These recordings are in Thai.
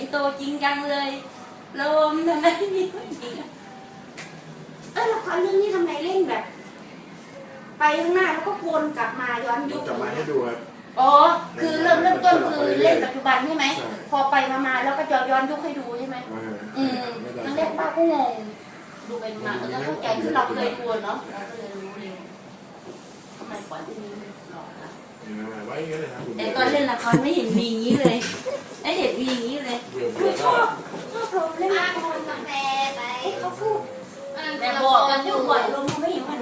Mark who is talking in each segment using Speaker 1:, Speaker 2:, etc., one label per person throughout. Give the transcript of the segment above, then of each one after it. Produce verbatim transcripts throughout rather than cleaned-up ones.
Speaker 1: โตจริงจังเลยลมทำไมมีผู้หญิงเออละครเรื่องนี้ทำไมเล่นแบบ ไปข้างหน้าแล้วก็วนกลับมาย้อนยุค
Speaker 2: กลับมาให้ดูครับ
Speaker 1: อ๋อคือเริ่มเริ่มต้นคือเล่นปัจจุบันใช่ไหมพอไปมามาแล้วก็ย้อนย้อนยุคให้ดูใช่ไหมอืมครั้งแรกป้าก็งงดูไปมาแล้วเข้าใจคือเราเคยดูเนาะเราเคยรู้เลยทำไมก่อนที่นี้หลอกนะ
Speaker 2: ไว้อย่างนี้เลยครับ
Speaker 1: แต่ตอนเล่นละครไม่เห็นมีอย่างนี้เลยไม่เห็นมีอย่างนี้เลยไม่ชอบชอบลมเล่นละครกาแฟไปเขาพูดแต่บอกกันอยู่บ่อยลมเขาไม่เห็นว่าหนู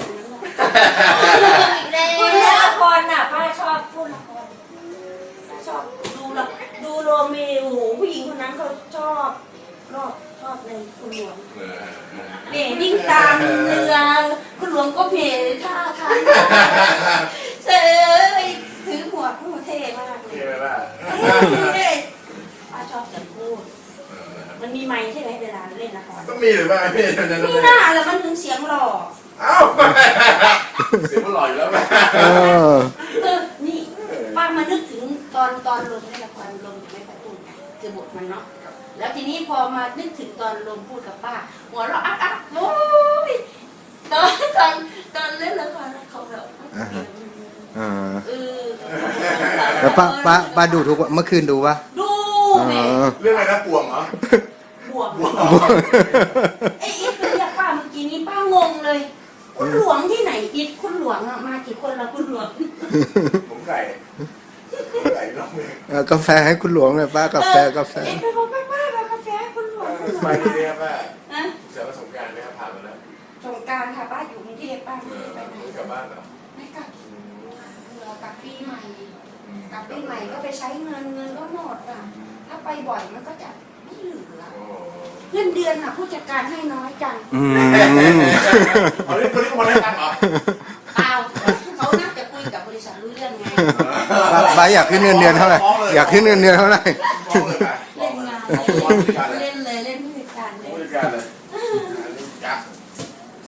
Speaker 1: พูดเล่นละครน่ะป้าชอบพูดละครชอบดูละดูโรเมโอผู้หญิงคนนั้นเขาชอบรอบชอบในคุณหลวงเนี่ยวิ่งตามเรือคุณหลวงก็เพลท่าทางเซ่ถือหัวผู้เท่มากเลย
Speaker 2: เท่ไหมล่ะ
Speaker 1: ป้าชอบจะพูดมันมีไมค์ใช่ไหมเวลาเล่นละคร
Speaker 2: ต้องมีหรือเปล่าพี่
Speaker 1: มีหน้าแล้วมันถึงเสียงหล่อ
Speaker 2: เอ้าเสียงมันหล่ออยู่แล้วไหม
Speaker 1: เออนี่ป้ามานึกถึงตอนตอนลงในละครลงไม่ประตูคือบทมันเนาะแล้วทีนี้พอมานึกถึงตอนลงพูดกับป้าหัวเราะอักอักโอ้ยตอนตอนตอนเล่นละครเขาแบบเออ
Speaker 3: แล้วป้าป้าป้าดูทุกวันเมื่อคืนดูปะ
Speaker 1: ดูแม่
Speaker 2: เรื่องอะไรนะป่วงเหรอบ
Speaker 1: วกไอ้อีทเรียกป้าเมื่อกี้นี้ป้างงเลยคุณหลวงที่ไหนอีทคุณหลวงอะมากี่คนละคุณหลวง
Speaker 2: ผมไก่ไก่น้องเอง
Speaker 3: เอากาแฟให้คุณหลวงเลยป้ากาแฟกาแฟ
Speaker 1: เอ็ไปบอกป้าป้าเอากาแฟให้คุณหลวง
Speaker 2: สบายดีครับป้า
Speaker 1: นะ
Speaker 2: เสียประสบการณ์ไหมครับผ่านมาแล้ว
Speaker 1: สงกรารค่ะป้าอยู่กรุงเทพป้า
Speaker 2: เอ
Speaker 1: ไม่
Speaker 2: อ
Speaker 1: ได้ไปไหน
Speaker 2: กลับบ้านเหรอ
Speaker 1: ไม่กลับเรากลับปีใหม่กลับปีใหม่ก็ไปใช้เงินเงินก็หมดอ่ะถ้าไปบ่อยมันก็จะไม่เหลือเงินเดือนอ่ะผู้จัดการให้น้อยจัง
Speaker 3: อืม
Speaker 2: เอาเรื่องคนนี้คนนี้กันเหรอ
Speaker 1: เปล่าเขาน่าจะคุยกับบริษัทรู้เรื่องไง
Speaker 3: ป้าป้าอยากขึ้นเงินเดือนเท่าไหร่อยากขึ้นเงินเดือนเท่าไหร่
Speaker 2: ฟ้องเลยป่ะ
Speaker 1: เล่นงานเล่นเลยเล่นผู้จัดการเลย
Speaker 2: ผู้จัดการเลย